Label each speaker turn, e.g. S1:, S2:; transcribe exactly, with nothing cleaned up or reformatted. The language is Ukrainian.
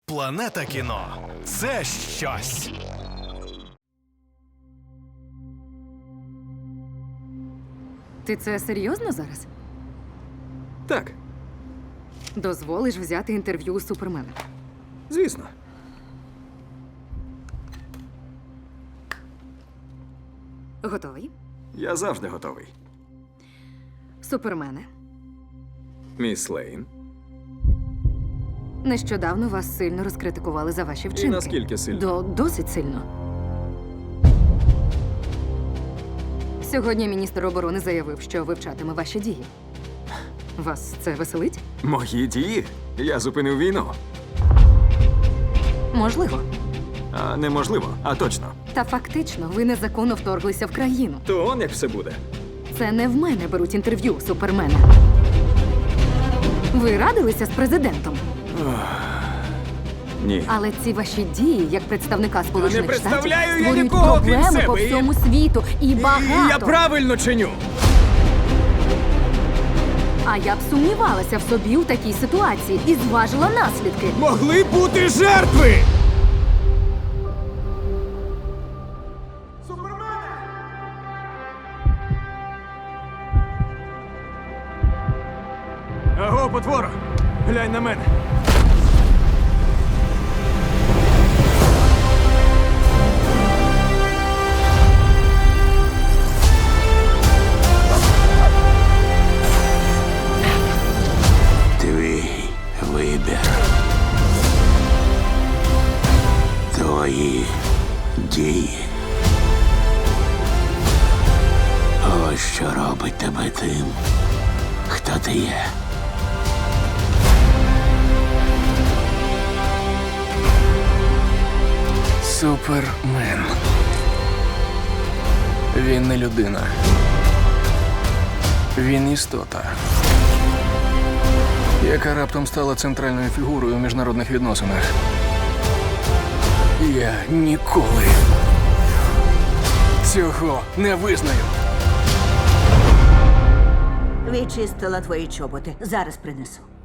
S1: Планета кіно – це щось.
S2: Ти це серйозно зараз?
S3: Так,
S2: Дозволиш взяти інтерв'ю у Супермена?
S3: звісно.
S2: Готовий?
S3: Я завжди готовий.
S2: Супермене,
S3: Міс Лейн.
S2: нещодавно вас сильно розкритикували за ваші вчинки.
S3: наскільки сильно?
S2: До досить сильно. Сьогодні міністр оборони заявив, що вивчатиме ваші дії. Вас це веселить?
S3: Мої дії? Я зупинив війну.
S2: Можливо.
S3: А неможливо, а точно.
S2: Та фактично ви незаконно вторглися в країну.
S3: То он як все буде.
S2: Це не в мене беруть інтерв'ю у Супермена. Ви радилися з президентом,
S3: Ні.
S2: але ці ваші дії, як представника Сполучених Штатів,
S3: представляю я
S2: створюють
S3: нікого, крім
S2: проблеми
S3: себе,
S2: по
S3: і-
S2: всьому світу і багато.
S3: Я правильно чиню.
S2: А я б сумнівалася в собі у такій ситуації і зважила наслідки.
S3: Могли бути жертви! Аго, потвора! Глянь на мене!
S4: Твій вибір. Твої дії. Ось що робить тебе тим, хто ти є.
S5: Супермен. Він не людина. Він істота, яка раптом стала центральною фігурою у міжнародних відносинах. Я ніколи цього не визнаю.
S6: Відчистила твої чоботи. Зараз принесу.